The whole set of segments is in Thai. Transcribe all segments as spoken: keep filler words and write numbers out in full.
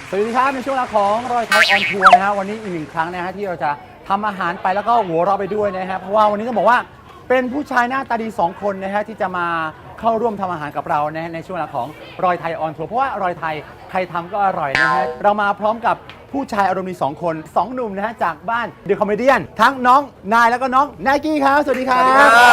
สวัสดีครับในช่วงเวลาของรอยไทยออนทัวร์นะฮะวันนี้อีกหนึ่งครั้งนะฮะที่เราจะทำอาหารไปแล้วก็หัวเราะไปด้วยนะฮะเพราะว่าวันนี้ต้องบอกว่าเป็นผู้ชายหน้าตาดีสองคนนะฮะที่จะมาเข้าร่วมทำอาหารกับเรานะฮะในช่วงเวลาของรอยไทยออนทัวร์เพราะว่ารอยไทยใครทำก็อร่อยนะฮะเรามาพร้อมกับผู้ชายอารมณ์ดีสองคนสองหนุ่มนะฮะจากบ้านเดอะคอมเมดี้ทั้งน้องนายแล้วก็น้องไนกี้ครับสวัสดีครับ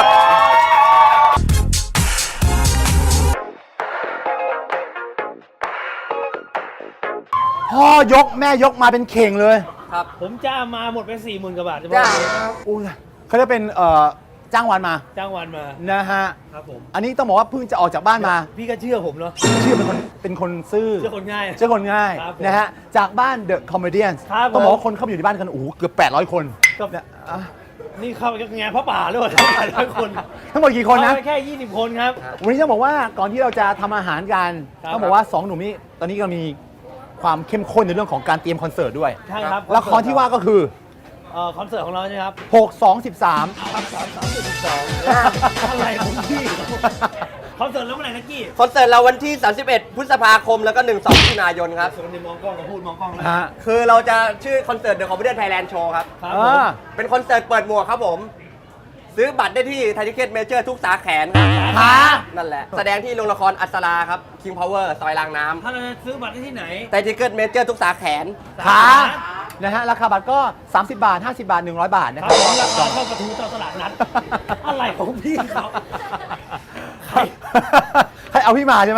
พ่อยกแม่ยกมาเป็นเข่งเลยครับผมจ้างมาหมดไปสี่หมื่นกว่าบาทจ้างอุ้ยเขาจะเป็นเอ่อจ้างวันมาจ้างวันมานะฮะครับผมอันนี้ต้องบอกว่าเพิ่งจะออกจากบ้านมาพี่ก็เชื่อผมเนาะเชื่อเป็นคนเป็นคนซื่อเชื่อคนง่ายเชื่อคนง่ายนะฮะจากบ้านเดอะคอมเมดี้ต้องบอกว่าคนเข้ามาอยู่ในบ้านกันโอ้โหเกือบแปดร้อยคนก็นี่เข้าไปงานพระป่าด้วยแปดร้อยคนทั้งหมดกี่คนนะแค่ยี่สิบคนครับวันนี้ต้องบอกว่าก่อนที่เราจะทำอาหารกันต้องบอกว่าสองหนุ่มนี้ตอนนี้ก็มีความเข้มข้นในเรื่องของการเตรียมคอนเสิร์ตด้วยใช่ครับละครที่ว่าก็คือเอ่อคอนเสิร์ตของเราใช่ครับหก สอง สิบสามครับสามสามสิบสองอะไรของพี่คอนเสิร์ตแล้วเมื่อไหร่นักกี้คอนเสิร์ตเราวันที่สามสิบเอ็ดพฤษภาคมแล้วก็หนึ่ง สองมิถุนายนครับส่วนที่มองกล้องกับพูดมองกล้องนะคือเราจะชื่อคอนเสิร์ต The Confidence Thailand Show ครับครับผมเป็นคอนเสิร์ตเปิดหมวกครับผมซื้อบัตรได้ที่ไทยทิเก็ตเมเจอร์ทุกสาแขนครับนั่นแหละแสดงที่โรงละครอัศราครับ King Power ซอยรางน้ำถ้าเราจะซื้อบัตรได้ที่ไหนไทยทิเก็ตเมเจอร์ทุกสาแขนครับนะฮะราคาบัตรก็สามสิบบาทห้าสิบบาทหนึ่งร้อยบาทนะครับราคาเท่าประตูเจ้าตลาดนัดอะไรของพี่เขาใครให้เอาพี่มาใช่ไหม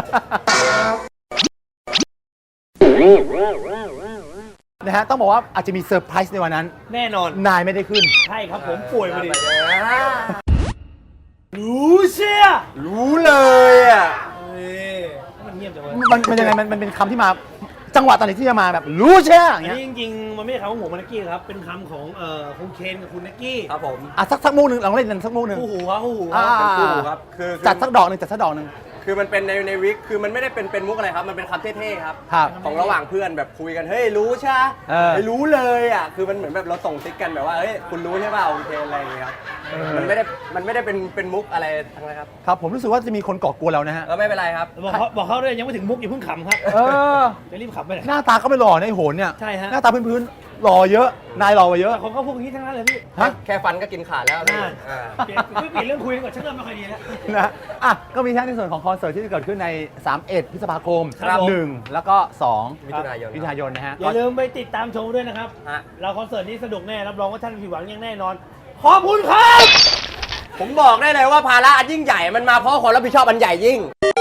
นะฮะต้องบอกว่าอาจจะมีเซอร์ไพรส์ในวันนั้นแน่นอนนายไม่ได้ขึ้นใช่ครับผมป่วยมาดิรู้เชียรู้เลยอ่ะมันเงียบจังเลยมันมันยังไงมันมันเป็นคำที่มาจังหวะตอนไหนที่จะมาแบบรู้เชียอย่างเงี้ยจริงๆมันไม่ใช่คำของผมนักกี้ครับเป็นคำของเอ่อคุณเคนกับคุณนักกี้ครับผมอ่ะสักสักมุกหนึ่งลองเล่นกันสักมุกหนึ่งคู่หูครับคู่หูครับคู่หูครับคือจัดสักดอกหนึ่งจัดสักดอกหนึ่งคือมันเป็นในในวิกคือมันไม่ได้เป็นเป็นมุกอะไรครับมันเป็นคำเท่ๆครับครับของระหว่างเพื่อนแบบคุยกันเฮ้ยรู้ใช่ไหมไม่รู้เลยอ่ะคือมันเหมือนแบบเราส่งซิกกันแบบว่าเฮ้ยคุณรู้ใช่ป่าวโอเคอะไรอย่างเงี้ยครับมันไม่ได้มันไม่ได้เป็นเป็นมุกอะไรทั้งนั้นครับครับผมรู้สึกว่าจะมีคนก่อกวนเรานะฮะเออไม่เป็นไรครับบอกเขาบอกเขาด้วยยังไม่ถึงมุกอย่าเพิ่งขำครับเออจะรีบขำไปไหนหน้าตาก็ไม่หล่อในโหนเนี่ยใช่ฮะหน้าตาพื้นๆหล่อเยอะนายหล่อกว่าเยอะเขาก็พวกนี้ทั้งนั้นเลยพี่ฮะแค่ฟันก็กินขาดแล้วเปลี่ยนไม่เปลี่ยนเรื่องคุยก่อนฉันเริ่มไม่ค่อยดีแล้วนะอ่ะก็มีทั้งในส่วนของคอนเสิร์ตที่จะเกิดขึ้นในสามสิบเอ็ดพฤษภาคมหนึ่งแล้วก็สองมิถุนายนมิถุนายนนะฮะอย่าลืมไปติดตามชมด้วยนะครับเราคอนเสิร์ตนี้สนุกแน่รับรองว่าท่านผิดหวังอย่างแน่นอนขอบคุณครับผมบอกได้เลยว่าภาระอันยิ่งใหญ่มันมาเพราะความรับผิดชอบอันใหญ่ยิ่ง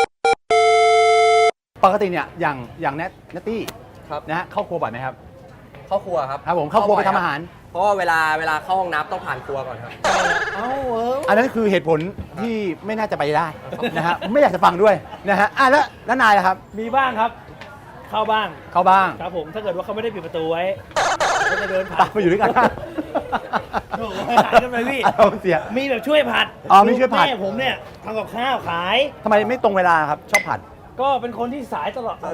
ปกติเนี่ยอย่างอย่างแนทเนตตี้นะฮะเข้าครัวบ่อยไหมครับเข้าครัวครับครับผมเข้าครัวไปทำอาหารเพราะว่าเวลาเวลาเข้าห้องน้ำต้องผ่านครัวก่อนครับเอ้าเอออันนั้นคือเหตุผลที่ไม่น่าจะไปได้นะฮะไม่อยากจะฟังด้วยนะฮะอ่ะแล้วแล้วนายล่ะครับมีบ้างครับเข้าบ้างเข้าบ้างครับผมถ้าเกิดว่าเขาไม่ได้ปิดประตูไว้ก็จะเดินผ่านมาอยู่ด้วยกันโอ้โหหายกันไปพี่เอาเสียมีแบบช่วยผัดอ๋อมีช่วยผัดแม่ผมเนี่ยทำกับข้าวขายทำไมไม่ตรงเวลาครับชอบผัดก็เป็นคนที่สายตลอด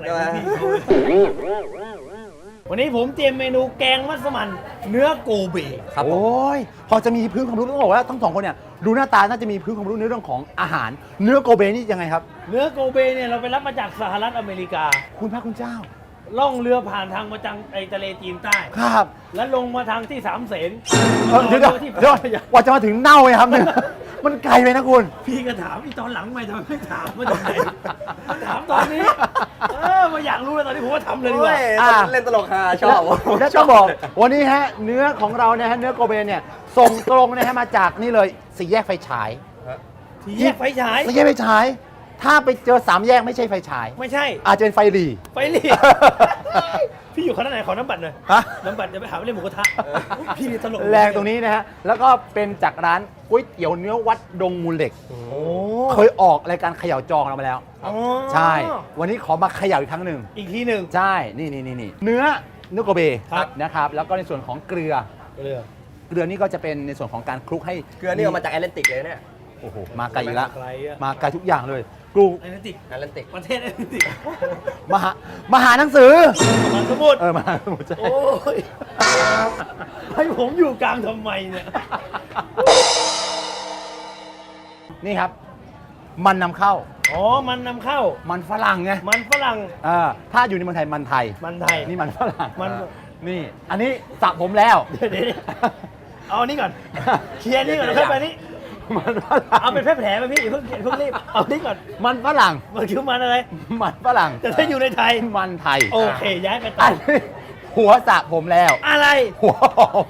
วันนี้ผมเตรียมเมนูแกงมัสมั่นเนื้อโกเบครับโอ้ยพอจะมีพื้นความรู้ต้องบอกว่าทั้งสองคนเนี่ยดูหน้าตาน่าจะมีพื้นความรู้ในเรื่องของอาหารเนื้อโกเบนี่ยังไงครับเนื้อโกเบเนี่ยเราไปรับมาจากสหรัฐอเมริกาคุณพระคุณเจ้าล่องเรือผ่านทางมาจังไอทะเลจีนใต้ครับแล้วลงมาทางที่สามเสนเดี๋ยวเดี๋ยวว่าจะมาถึงเน่าเลยครับเนี่ยมันไกลไปนะคุณพี่ก็ถามอีตอนหลังไม่ทำไมไม่ถามมาจากไหนถามตอนนี้เออมาอยากรู้เลยตอนนี้ผมว่าทำเลยดีกว่าเล่นตลกฮาชอบแล้วต้องบอกวันนี้ฮะเนื้อของเราเนี่ยฮะเนื้อโกเบเนี่ยส่งตรงนะฮะมาจากนี่เลยสี่แยกไฟฉายสี่แยกไฟฉายสี่แยกไฟฉายถ้าไปเจอสามแยกไม่ใช่ไฟฉายไม่ใช่อาจจะเป็นไฟหรี่ไฟหรี่พี่อยู่คณะไหนขอน้ำบัตรหน่อยน้ำบัตรจะไปหาไปเล่นหมูกระทะพี่ตลกแรงตรงนี้นะฮะแล้วก็เป็นจากร้านก๋วยเตี๋ยวเนื้อวัดดงมูลเหล็กเคยออกรายการเขย่าจองเรามาแล้วใช่วันนี้ขอมาเขย่าอีกครั้งหนึ่งอีกทีหนึ่งใช่นี่นี่นี่เนื้อเนื้อโกเบนะครับแล้วก็ในส่วนของเกลือเกลือเกลือนี่ก็จะเป็นในส่วนของการคลุกให้เกลือนี่เอามาจากแอตแลนติกเลยเนี่ยโอ้โหมาไกลอีกแล้วมาไกลทุกอย่างเลยกรุงแอตแลนติกแอตแลนติกประเทศแอตแลนติกมหามหาหนังสือมหาสมุทรเออมหาสมุทรโอ้ยให้ผมอยู่กลางทำไมเนี่ยนี่ครับมันนำเข้าอ๋อมันนำเข้ามันฝรั่งไงมันฝรั่งเออถ้าอยู่ในเมืองไทยมันไทยมันไทยนี่มันฝรั่งมันเออนี่ อันนี้สระผมแล้วเดี๋ยวเดี๋ยวเอาอันนี้ก่อนเคลียร์นี่ก่อนแล้วค่อยไปนี่มันฝรั่งเอาเป็นแผลแผลไปพี่อย่าเพิ่งอย่าเพิ่งรีบเอานี่ก่อนมันฝรั่งมันคือมันอะไรมันฝรั่งแต่ถ้าอยู่ในไทยมันไทยโอเคย้ายไปต่อัอนนี้หัวสระผมแล้วอะไรหัวหอม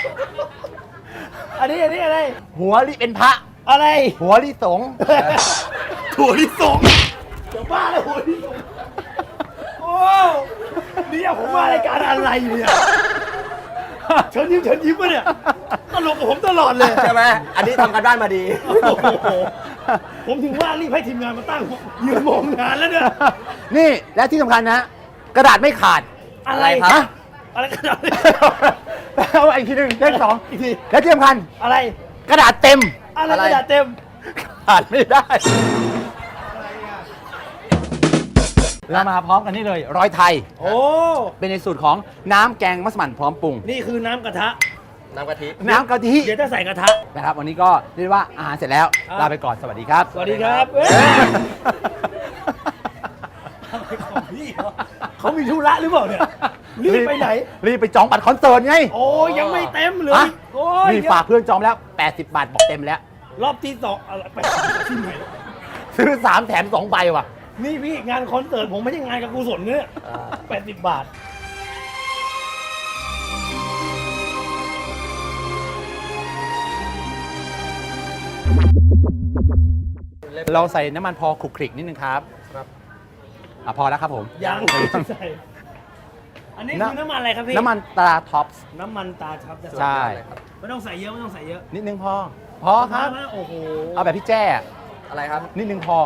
อันนี้อันนี้อะไรหัวลิเป็นพระอะไรหัวลิสงฆ์ถั่วลิสงจะบ้าเลยหัวลิสงโอ้นี่ผมมารายการอะไรเนี่ยเชิญยิ้มเชิญยิ้มมาเนี่ยตลกกับผมตลอดเลยใช่ไหมอันนี้ทำกันบ้านมาดีโอ้โหผมถึงว่ารีบให้ทีมงานมาตั้งยืนมองงานแล้วเนี่ยนี่และที่สำคัญนะ กระดาษไม่ขาดอะไรครับฮะอะไรกันเนี่ยเอาอีกทีหนึ่งเลขสองอีกทีและที่สำคัญอะไรกระดาษเต็มอะไรกระดาษเต็มขาดไม่ได้เรามาพร้อมกันนี่เลย ร้อยไทยโอ้เป็นในสูตรของน้ำแกงมัสมั่นพร้อมปรุงนี่คือน้ำกระทะน้ำกะทิน้ำกะทิเดี๋ยวจะใส่กระทะนะครับ วันนี้ก็เรียกว่าอาหารเสร็จแล้วครับลาไปก่อนสวัสดีครับสวัสดีครับเอ้ยอะไรของพี่เหรอเขามีธุระหรือเปล่าเนี่ยรีบไปไหนรีบไปจองบัตรคอนเสิร์ตไงโอ้ยยังไม่เต็มเลยฮะโอ้ยนี่ฝากเพื่อนจองแล้ว แปดสิบบาทบอกเต็มแล้วรอบที่สองอะไรไปที่ไหนซื้อสามแถมสองใบว่ะนี่พี่งานคอนเสิร์ตผมไม่ใช่งานกับกุศลเนี่ยแปดสิบบาทเราใส่น้ำมันพอคลุกคลิกนิดนึงครับครับอ่ะพอแล้วครับผมยังใส่อันนี้คือน้ำมันอะไรครับพี่น้ำมันตราท็อปส์น้ำมันตาชับจะใช่ไม่ต้องใส่เยอะไม่ต้องใส่เยอะนิดนึงพอ พอครับนะโอ้โหเอาแบบพี่แจ้อะไรครับนิดนึงพอ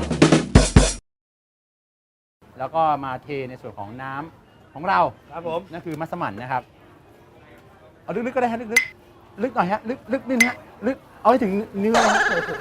แล้วก็มาเทในส่วนของน้ำของเราครับผมนั่นคือมัสมั่นนะครับ เอาลึกๆก็ได้ฮะลึกๆลึกหน่อยฮะลึกลึกนิดนะฮะลึกเอาให้ถึงเนื้อนะฮะ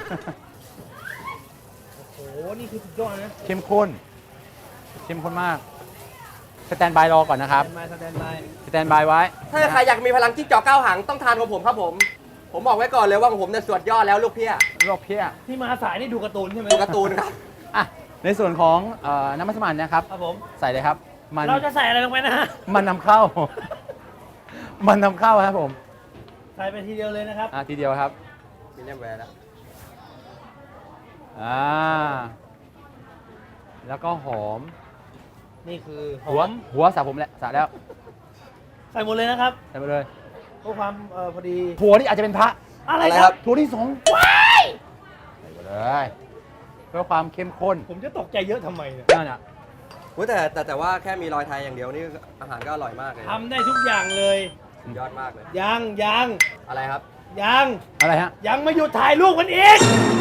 โอ้โหนี่คือสุดยอดนะเข้มข้น เข้มข้นมาก สแตนบายรอก่อนนะครับสแตนบายสแตนบายสแตนบายไว้ถ้าใครอยากมีพลังจิ้งจอกเก้าหางต้องทานของผมครับผม ผมบอกไว้ก่อนเลยว่าของผมเนี่ยสวดยอดแล้วลูกเพี้ยรอบเพี้ยที่มาสายนี่ดูการ์ตูนใช่ไหมดูการ์ตูนครับอ่ะในส่วนของเอ่อน้ำมัสมั่นนะครับครับผมใส่เลยครับ มันเราจะใส่อะไรลงไปนะฮะมันนำเข้า มันนำเข้าครับผมใส่ไปทีเดียวเลยนะครับอ่ะทีเดียวครับมีเนียมแวร์แล้วอ่า แล้วก็หอมนี่คือหหัวอมหัวสระผมแล้วสระแล้วใส่หมดเลยนะครับใส่ไปเลยเพื่อความเอ่อพอดีถั่วนี่อาจจะเป็นพระอะไรอะไรคครัรับบถั่วที่สองว้ายใส่ไปเลยเพื่อความเข้มข้นผมจะตกใจเยอะทำไมเนี่ยนั่นอ่ะอุ๊ยแต่แต่แต่ว่าแค่มีรอยไทยอย่างเดียวนี่อาหารก็อร่อยมากเลยทำได้ทุกอย่างเลยสุดยอดมากเลยยังยังอะไรครับยังอะไรฮะยังไม่หยุดถ่ายรูปมันอีก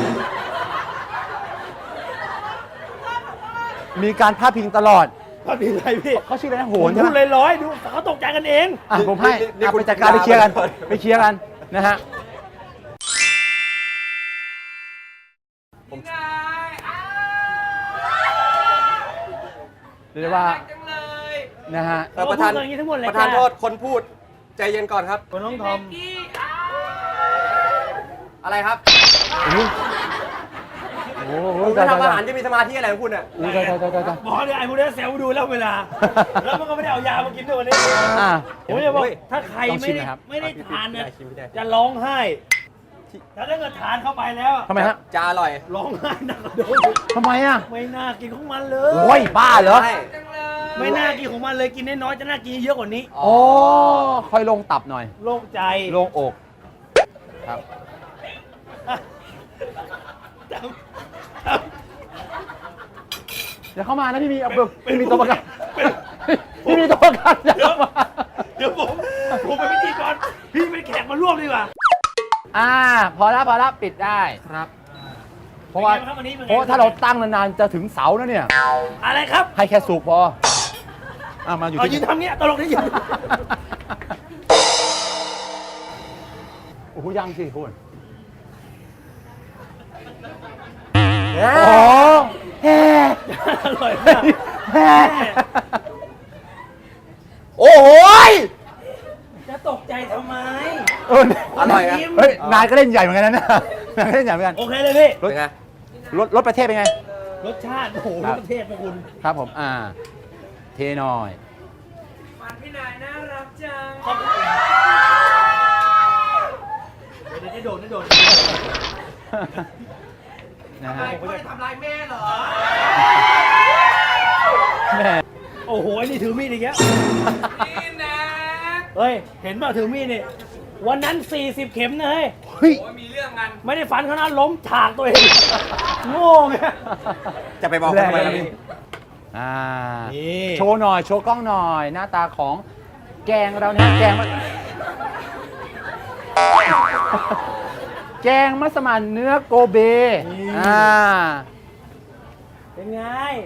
มีการพาดพิงตลอดก็มีอะไรพี่เขาชื่ออะไรนะโหผมนใช่พูดไหมลอยๆดูเขาตกใจกันเองอ่ะผมให้นี่นี่อ่ะคุณไปจัดการไปเคลียร์กันคุณไปเคลียร์กันนะฮะผมเรียกได้ว่านะฮะเอ่อประธานเราพูดอย่างนี้ทั้งหมดเลยประธานค่ะโทษคนพูดใจเย็นก่อนครับคนน้องทอมอะไรครับโอ้โหโอ้โหคุณตายทำอาตายหารจะมีสมาธิอะไรของคุณอ่ะตายตายตายตายตายบอกเนี่ยไอ้พวกนี้เซลล์ดูแล้วเวลา แล้วมันก็ไม่ได้เอายามากินด้วยวันนี้อ่ะผมจะบอกเฮ้ยถ้าใครลองไม่ชิมได้หน่อยครับไม่ได้ทานเนี่ยชิมไม่ได้จะร้องไห้แต่ถ้าเกิดทานเข้าไปแล้วทำไมฮะจะอร่อยร้องไห้หนักกว่าเดิมทำไมอ่ะไม่น่ากินของมันเลยโอ้ยบ้าเหรอใช่ไม่น่ากินของมันเลยกินน้อยๆจะน่ากินเยอะกว่านี้โอ้ค่อยลงตับหน่อยโล่งใจลงอก ครับจำจำอย่าเข้ามานะพี่มีเอาเบิกพี่มีตัวประกันพี่มีตัวประกันอย่าเข้ามาเดี๋ยวผมผมเป็นพิธีกรพี่เป็นแขกมาร่วมดีกว่าอ่า พอแล้วพอแล้วปิดได้ครับเพราะว่าเป็นไงบ้างครับวันนี้เป็นไงเพราะว่าถ้าเราตั้งนานๆจะถึงเสาแล้วเนี่ยอะไรครับให้แค่สุกพออ่ะมาอยู่เอายืที่นทำเงี้ยตลกนี่ยืนโอ้โหยังสิคุณโอ้โอ้แฮ่อร่อยมากแฮ่โอ้โหยจะตกใจทำไมเอออร่อยอะเฮ้ยนายก็เล่นใหญ่เหมือนกันนะเนี่ยนายก็เล่นใหญ่เหมือนกันโอเคเลยพี่รถเป็นไงรถรถประเทศเป็นไงรสชาติโอ้โหครับประเทศนะคุณครับผมอ่าเทหน่อยฟันพี่นายน่ารักจังขอบคุณเดี๋ยวได้โดนได้โดนนะฮะไม่ได้ทำร้ายแม่เหรอแม่โอ้โหไอ้นี่ถือมีดอีกแล้วพี่แน็กเฮ้ยเห็นป่ะถือมีดนี่วันนั้นสี่สิบเข็มนะเฮ้ยเฮ้ยโอ้ยมีเรื่องกันไม่ได้ฟันเขานะล้มฉากตัวเองโง่ไงจะไปบอกทำไมล่ะพี่อ่านี่โชว์หน่อยโชว์กล้องหน่อย หน้าตาของแกงเรานะแกงมะแกงมัสมั่นเนื้อโกเบอ่าเป็นไง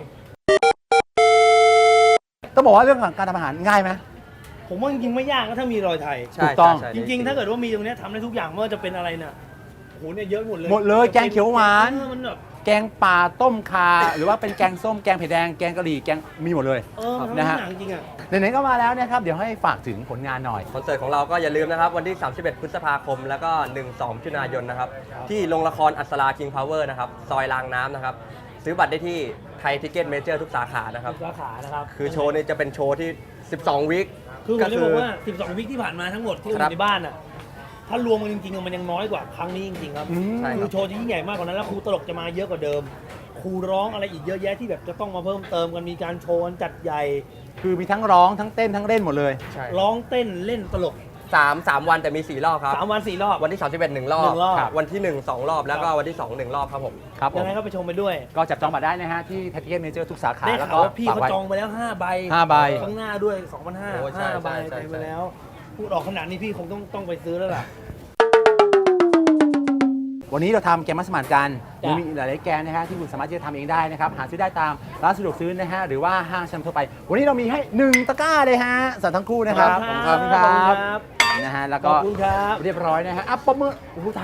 ต้องบอกว่าเรื่องของการทำอาหารง่ายไหมผมว่าจริงๆไม่ยากนะถ้ามีรอยไทยถูกต้องใช่จใช่ริงๆ ถ้าเกิดว่ามีตรงเนี้ยทำได้ทุกอย่างไม่ว่าจะเป็นอะไรน่ะโอ้โหเนี่ยเยอะหมดเลยหมดเลยแกงเขียวหวานเออมันแบบแกงป่าต้มคา หรือว่าเป็นแกงส้มแกงเผ็ดแดงแกงกะหรี่แกงมีหมดเลยเออมันนะทำฮะหนังจริงอ่ะไหนๆก็มาแล้วนะครับ เดี๋ยวให้ฝากถึงผลงานหน่อยคอนเสิร์ตของเราก็อย่าลืมนะครับ วันที่ สามสิบเอ็ด พฤษภาคม แล้วก็ หนึ่งสอง มิถุนายนนะครับ ที่โรงละครอัศรา King Power นะครับ ซอยรางน้ำนะครับ ซื้อบัตรได้ที่ไทยทิเก็ตเมเจอร์ทุกสาขานะครับสาขานะครับคือโชว์นี้จะเป็นโชว์ที่ สิบสอง วิคคือผมจะบอกว่า สิบสอง วิคที่ผ่านมาทั้งหมดที่อครับยู่ในบ้านอ่ะ ถ้ารวมกันจริงๆ มันยังน้อยกว่าครั้งนี้จริงๆครับอืมใช่คือโชว์จะยิ่งใหญ่มากกว่านั้นแล้วครูตลกจะมาเยอะกว่าเดิม ครูร้องอะไรอีกเยอะแยะที่แบบจะต้องมาเพิ่มเติมกันมีการโชว์กันจัดใหญ่คือมีทั้งร้องทั้งเต้นทั้งเล่นหมดเลยใช่ร้องเต้นเล่นตลกสามสามวันแต่มี สี่ รอบครับสามวันสี่รอบวันที่ สามสิบเอ็ด หนึ่งรอบหนึ่งรอบครับวันที่ หนึ่ง สอง รอบ แล้วก็วันที่ สอง หนึ่ง รอบครับผมครับผยังมไงก็ไปชมไปด้วยก็จับจองบัตรได้นะฮะ ที่ไทยทิเก็ตเมเจอร์ทุกสาขาได้แล้วข่าก็วว่าพี่ฝากเขาไว้จองไปแล้วห้าใบห้าใบข้างหน้าด้วยสองพันห้าโอ้ใช่ห้าใบใช่ไปใช่ไปแล้ว พูดออกขนาดนี้พี่คงต้องต้องไปซื้อแล้วล่ะวันนี้เราทำแกงมัสมั่นกันจ้ะยังมีอีกหลายๆแกงนะฮะที่คุณสามารถที่จะทำเองได้นะครับ หาซื้อได้ตามร้านสะดวกซื้อนะฮะ หรือว่าห้างชั้นทั่วไป วันนี้เรามีให้หนึ่งตะกร้าเลยฮะสั่งทั้งคู่นะครับขอบคุณครับนะฮะ แล้วขก็อบคุณครับเรียบร้อยนะฮะอ่ะปมมือโอ้โหตาย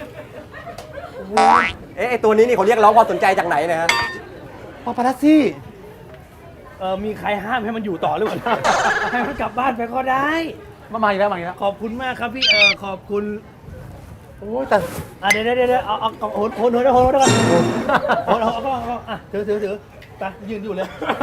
เอ๊ะไอตัวนี้นี่เขาเรียกร้องความสนใจจากไหนเนะฮะปาปารัสซี่เออมีใครห้ามให้มันอยู่ต่อหรือเปล่า ให้มันกลับบ้านไปก็ได้มามาอีกแล้วมาอีกแล้วขอบคุณมากครับพี่เออขอบคุณโอ้ยแต่อ่ะเดี๋ยวเดี๋ยวเดี๋ยวเอาเอาเอาโหนโหนโหนโหนโหนก่อนโหนเอาเอาเอาเอาอ่ะถือถือถือไปยืนอยู่เลย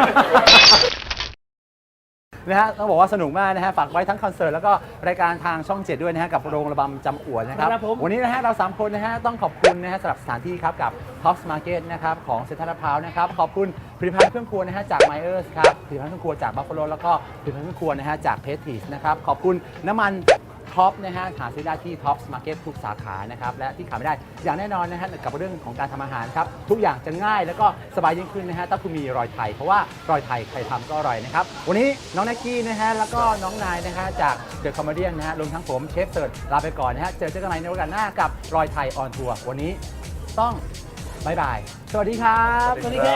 นะฮะต้องบอกว่าสนุกมากนะฮะฝากไว้ทั้งคอนเสิร์ตแล้วก็รายการทางช่องเจ็ดด้วยนะฮะกับโรงระบำจำอวดนะครับครับผมวันนี้นะฮะเราสามคนนะฮะต้องขอบคุณนะฮะสำหรับสถานที่ครับกับ Tops Market นะครับของเซ็นทรัลลาดพร้าวนะครับขอบคุณผลิตภัณฑ์เครื่องครัวนะฮะจาก Myers ครับผลิตภัณฑ์เครื่องครัวจาก Buffalo แล้วก็ผลิตภัณฑ์เครื่องครัวนะฮะจาก Prestige นะครับขอบคุณน้ำมันท็อปนะฮะหาซื้อได้ที่ Tops Market ทุกสาขานะครับและที่ขาดไม่ได้อย่างแน่นอนนะฮะกับเรื่องของการทำอาหารครับทุกอย่างจะง่ายแล้วก็สบายยิ่งขึ้นนะฮะถ้าคุณมีรอยไทยเพราะว่ารอยไทยใครทำก็อร่อยนะครับวันนี้น้องแน็กกี้นะฮะแล้วก็น้องนายนะฮะจากเดอะคอมเมดี้นะฮะรวมทั้งผมเชฟเสิร์ชลาไปก่อนนะฮะเจอเจอกันใหม่ในโอกาสหน้ากับรอยไทยออนทัวร์วันนี้ต้องบายบายสวัสดีครับสวัสดีครับ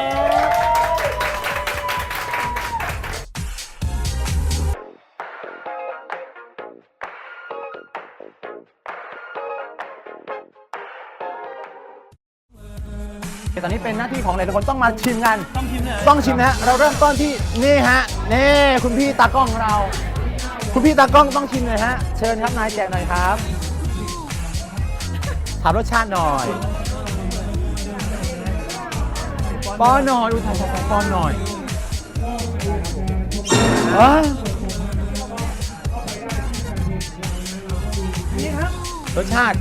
ตอนนี้เป็นหน้าที่ของหลายๆคนต้องมาชิมกันต้องชิมเลยต้องชิมนะฮะเราเริ่มต้นที่นี่ฮะนี่คุณพี่ตากล้องของเรา คุณพี่ตากล้องต้องชิมเลยฮะเชิญครับนายแจกหน่อยครับถามรสชาติหน่อยป้อนหน่อยดูทำป้อนหน่อยว้านี่ครับรสชาติ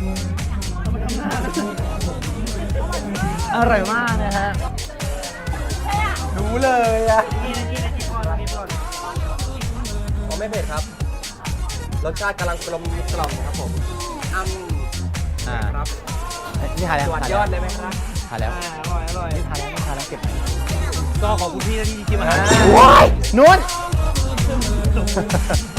อร่อยมากนะฮะรู้เลยอะกินกินกินก่อนกินก่อนอ๋อไม่เผ็ดครับ รสชาติกำลังกลมกล่อมครับผมอ้ำอ่าครับนี่ทานแล้วสวัสดยอดเลยไหมครับทานแล้วอ่าอร่อยอร่อยนี่ทานแล้วนี่ทานแล้วเก็บก็ขอบคุณพี่นะที่ชิมอาหารว้ายนุ่น